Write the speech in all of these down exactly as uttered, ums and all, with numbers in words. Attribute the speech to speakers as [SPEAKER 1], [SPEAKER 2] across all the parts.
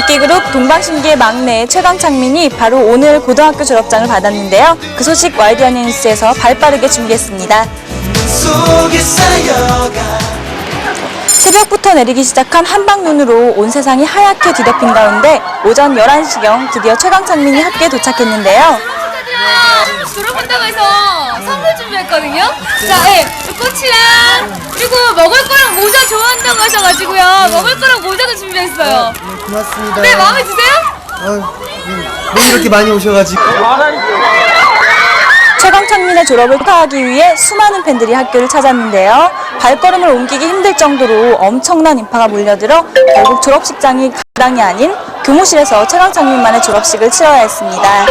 [SPEAKER 1] 인기그룹 동방신기의 막내 최강창민이 바로 오늘 고등학교 졸업장을 받았는데요. 그 소식 와이드 연예뉴스에서 발빠르게 준비했습니다. 새벽부터 내리기 시작한 한방눈으로 온 세상이 하얗게 뒤덮인 가운데 오전 열한 시경 드디어 최강창민이 학교에 도착했는데요.
[SPEAKER 2] 졸업한다고 해서 선물 준비했거든요. 자, 예, 꽃이랑 그리고 먹을 거랑 모자 좋아한다고 하셔가지고요. 먹을 거랑 모자도 준비했어요.
[SPEAKER 3] 네, 고맙습니다.
[SPEAKER 2] 네, 마음에 드세요?
[SPEAKER 3] 아, 왜 이렇게 많이 오셔가지고.
[SPEAKER 1] 최강창민의 졸업을 축하하기 위해 수많은 팬들이 학교를 찾았는데요. 발걸음을 옮기기 힘들 정도로 엄청난 인파가 몰려들어 결국 졸업식장이 강당이 아닌 교무실에서 최강창민만의 졸업식을 치러야 했습니다.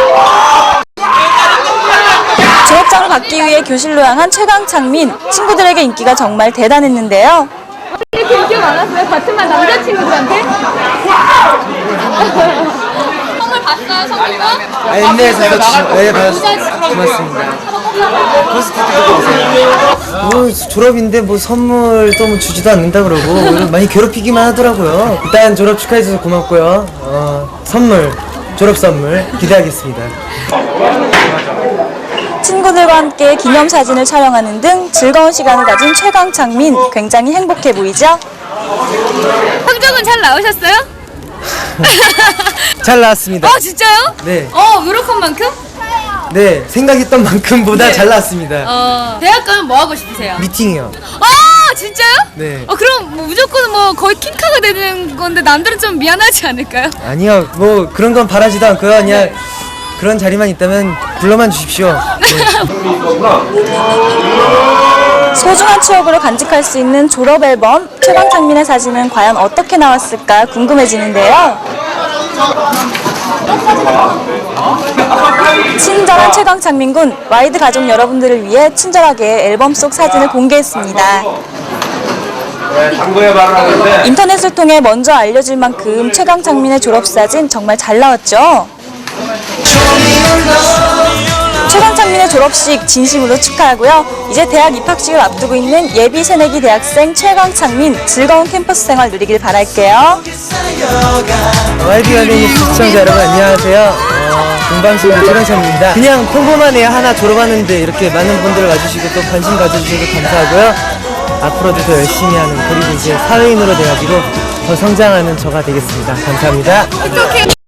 [SPEAKER 1] 졸업장을 받기 위해 교실로 향한 최강창민, 친구들에게 인기가 정말 대단했는데요.
[SPEAKER 2] 이렇게 인기가 많았어요? 같은 반 남자친구들한테? 선물 봤어요, 선물도?
[SPEAKER 3] 아, 옛날에 저도 네, 받았습니다. 고맙습니다. 뭐 졸업인데 뭐 선물도 뭐 주지도 않는다 그러고 많이 괴롭히기만 하더라고요. 일단 졸업 축하해줘서 고맙고요. 어, 선물, 졸업 선물 기대하겠습니다.
[SPEAKER 1] 친구들과 함께 기념사진을 촬영하는 등 즐거운 시간을 가진 최강창민, 굉장히 행복해 보이죠?
[SPEAKER 2] 성적은 잘 나오셨어요?
[SPEAKER 3] 잘 나왔습니다.
[SPEAKER 2] 어, 진짜요?
[SPEAKER 3] 네.
[SPEAKER 2] 어, 노력한 만큼?
[SPEAKER 3] 네, 생각했던 만큼보다
[SPEAKER 2] 네.
[SPEAKER 3] 잘 나왔습니다.
[SPEAKER 2] 어, 대학 가면 뭐 하고 싶으세요?
[SPEAKER 3] 미팅이요.
[SPEAKER 2] 아, 진짜요?
[SPEAKER 3] 네.
[SPEAKER 2] 어, 그럼 뭐 무조건 뭐 거의 킹카가 되는 건데 남들은 좀 미안하지 않을까요?
[SPEAKER 3] 아니요, 뭐 그런 건 바라지도 않고요. 그냥 그런 자리만 있다면 불러만 주십시오. 네.
[SPEAKER 1] 소중한 추억으로 간직할 수 있는 졸업 앨범, 최강창민의 사진은 과연 어떻게 나왔을까 궁금해지는데요. 친절한 최강창민 군, 와이드 가족 여러분들을 위해 친절하게 앨범 속 사진을 공개했습니다. 인터넷을 통해 먼저 알려질 만큼 최강창민의 졸업사진 정말 잘 나왔죠. 최강창민의 졸업식 진심으로 축하하고요. 이제 대학 입학식을 앞두고 있는 예비 새내기 대학생 최강창민, 즐거운 캠퍼스 생활 누리길 바랄게요.
[SPEAKER 3] 와이드 연예뉴스 시청자 여러분 안녕하세요. 어, 동방신기 최강창민입니다. 그냥 평범한 애 하나 졸업하는데 이렇게 많은 분들 와주시고 또 관심 가져주셔서 감사하고요. 앞으로도 더 열심히 하는, 그리고 이제 사회인으로 돼가지고 더 성장하는 저가 되겠습니다. 감사합니다.
[SPEAKER 2] 어떡해.